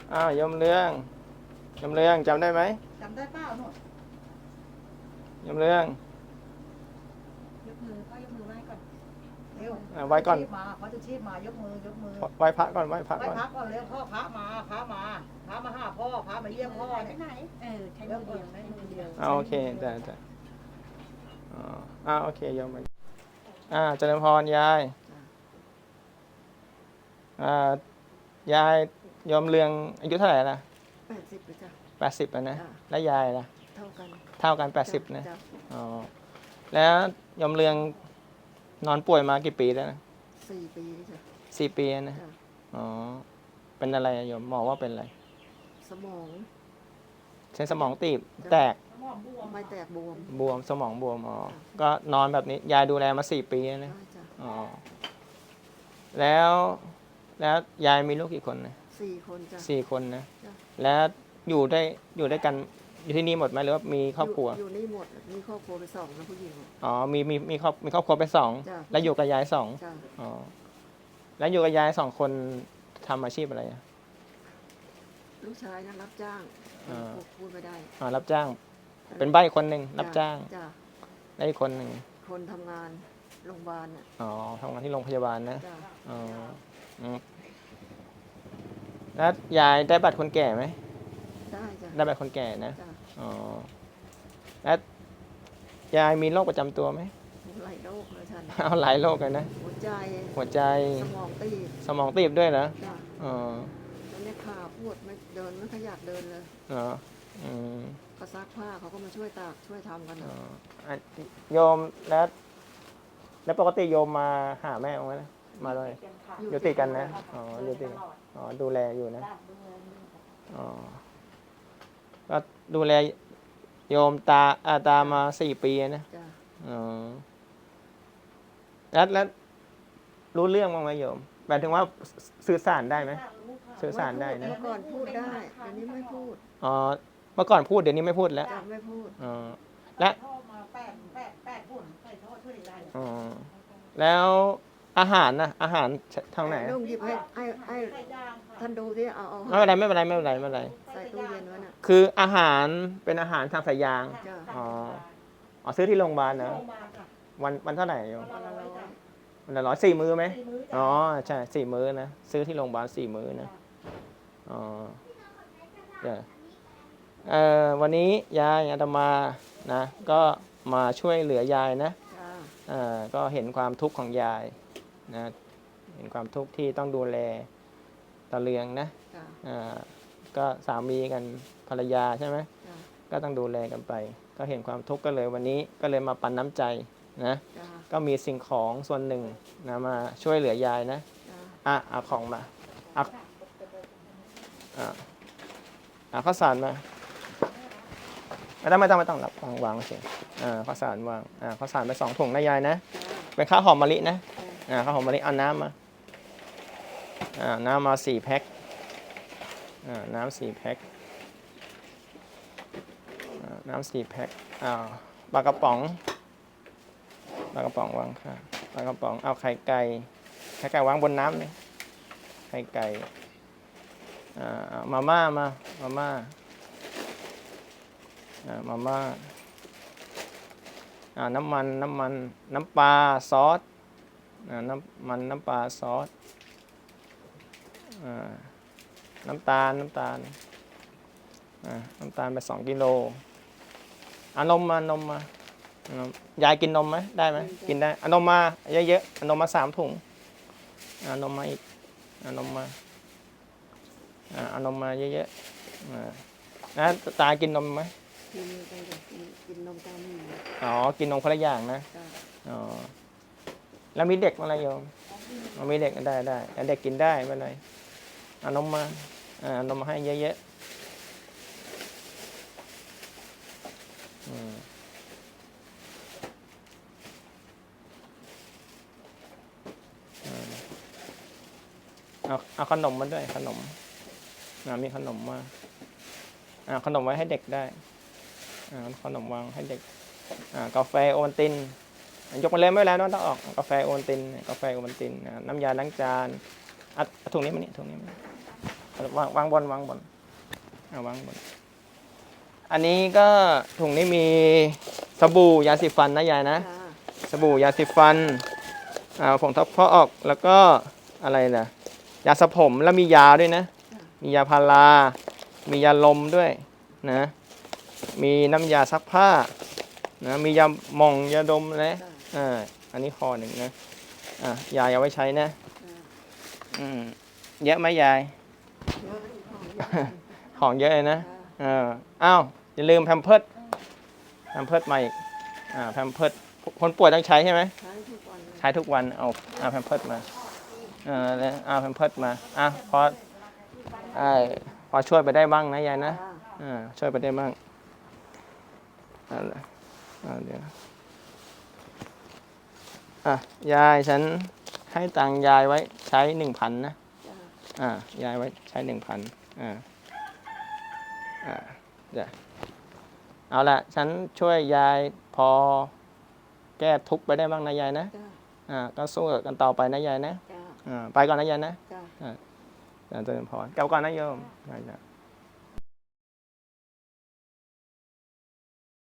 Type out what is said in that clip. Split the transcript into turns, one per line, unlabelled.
อ้าวยมเรืองยมเรืองจำได้ไหม
จำได้เปล่าหนู
ยมเรือง
ยกมือพ่อยกมือไหว้ก่อนเร็ว
ไหว้ก่อน
มาเขาจะชีพมายกมือยกมือ
ไหว้พระก่อนไหว้พระ
ไหว้
ก่อน
พระก่อนเร็วพ่อพระมาพระมาพระมาหาพ่อพระมาเยี่ยมพ่อเนี่ย
ไหนใช้มือเดียวได้มือเดียว
โอเคได้โอเคยมไปเจริญพรยายยายยมเรืองอายุเท่าไหร่ละ
80จ้ะ
80นะแล้วยายล่ะ
เท่ากัน
80นะอ๋อแล้วยมเรืองนอนป่วยมากี่ปีแล้วนะ
4 ปีจ้ะ
4 ปีนะอ๋อเป็นอะไรโยมหมอว่าเป็นอะไร
สมอง
เส้นสมองตีบแตก
ไม่แตก
บวมสมองบวมอ๋อก็นอนแบบนี้ยายดูแลมา4 ปีนะอ๋อแล้วยายมีลูกกี่คนนะ
4 คนจ้ะ
4 คนนะแล้วอยู่ด้วยกันอยู่ที่นี่หมดไหมหรือว่ามีครอบครัว
อยู่นี่หมดมีครอบครัวไป2นะผู้หญิง
อ๋อมีครอบครัวไป2แล้วอยู่กับยาย2อ๋อแล้วอยู่กับยาย2 คนทำอาชีพอะไร
ลูกชายนะรับจ้างพูดไม่ได้
รับจ้างเป็นใบ้คนหนึ่งรับจ้างได้อีกคนหนึ่ง
คนทำงานโรงพยาบาล
ทำงานที่โรงพยาบาลนะแล้วยายได้บัตรคนแก่ไหม
ได้จ้ะ
ได้บัตรคนแก่นะแล้วยายมีโรคประจำตัวไหม
หลายโรคเลยท่าน
เอาหลายโรคเลยนะหัวใจสมองตีบด้วยเหรอ
แล้วเนี่ยขาปวดไม่เดินไม่ขยับเดินเลยก็ซักผ้าเขาก็มาช่วยตากช่วยทำกัน
โยมแล้วปกติโยมมาหาแม่ไหมมาเลยอยู่ติดกันนะอยู่ติดดูแลอยู่นะก็ดูแลโยมตามา4 ปีนะแล้วรู้เรื่องบ้างไหมโยมหมายถึงว่าสื่อสารได้ไหมสื่อสารได้นะ
เมื่อก่อนพูดได้เดี๋ยวนี้ไม่พูด
เมื่อก่อนพูดเดี๋ยวนี้ไม่พูดแล้ว
ไม่พูด
และแล้วอาหารนะอาหารทางไหน
ลุงหยิบให้ท่านดูที่เอา
ไม่เป็นไร
ใส่ตู้เย็นไว้น่ะ
คืออาหารเป็นอาหารทางสายยางซื้อที่โรงพยาบาลนะวันเท่าไหร่โยมวันละ100 4 มื้อไหมใช่4 มื้อนะซื้อที่โรงพยาบาล4 มื้อนะวันนี้ยายอาตมานะก็มาช่วยเหลือยายนะก็เห็นความทุกข์ของยายนะเห็นความทุกข์ที่ต้องดูแลตาเลืองนะก็สามีกันภรรยาใช่ไหมก็ต้องดูแลกันไปก็เห็นความทุกข์ก็เลยวันนี้ก็เลยมาปันน้ำใจนะก็มีสิ่งของส่วนหนึ่งนะมาช่วยเหลือยายนะเอาของมาข้าวสารมาไม่ต้องรับวางเฉยข้าวสารวางข้าวสารไป2 ถุงนะยายนะเป็นข้าวหอมมะลินะข้าวหอมมะลิเอาน้ำมาน้ำมา4 แพ็คน้ำ4 แพ็คน้ำ4 แพ็คปลากระป๋องวางค่ะปลากระป๋องเอาไข่ไก่วางบนน้ำเลยไข่ไก่มาม่าน้ำปลาซอสน้ำปลาซอสน้ำตาลไป2 กิโลนมมายายกินนมไหมได้ไหมกินได้นมมาเยอะๆนมมา3 ถุงนมมาอีกนมมานมมาเยอะๆนะตากินนมไหม
กินนมตาห
นีกินนมคนละอย่างนะแล้วมีเด็กอะไรโยมมีเด็กได้เด็กกินได้ไม่เป็นไรนมมาให้เยอะๆเอาขนมมาด้วยขนมมีขนมมาขนมไว้ให้เด็กได้ขนมวางให้เด็กกาแฟโอวัลตินยกมาเลยไม่เป็นไรต้องออกกาแฟโอวัลตินน้ำยาล้างจานถุงนี้มานี่ถุงนี้มาวางบนเอาวางบนอันนี้ก็ถุงนี้มีสบู่ยาสีฟันนะยายนะ
จ้า
สบู่ยาสีฟันผงทับฟอกแล้วก็อะไรนะยาสระผมแล้วมียาด้วยนะ มียาพารา มียาลมด้วยนะ มีน้ำยาซักผ้านะมียาหม่องยาดมนะอันนี้คอหนึ่งนะยายเอาไว้ใช้นะเยอะไหมยาย
เยอะอีกของเยอะ
ของเยอะเลยนะ
จ้า
อ้าวอย่าลืมแพมเพิร์สมาอีกแพมเพิร์สคนป่วยต้องใช้ใช่ไหม
ใช้ทุกวันเลย
ใช้ทุกวันเอาแพมเพิร์สมาแล้วเอาแพมเพิร์สมาพอช่วยไปได้บ้างนะยายนะ
จ้า
ช่วยไปได้บ้างเดี๋ยวยายฉันให้ตังค์ยายไว้ใช้ 1,000 นะ
จ้าย
ายไว้ใช้ 1,000เดี๋ยวเอาละฉันช่วยยายพอแก้ทุกข์ไปได้บ้างนะยายนะ
จ้า
ก็สู้กันต่อไปนะยายนะ
จ้า
ไปก่อนนะยายนะ
จ้า
เจริญพรกลับก่อนนะโยม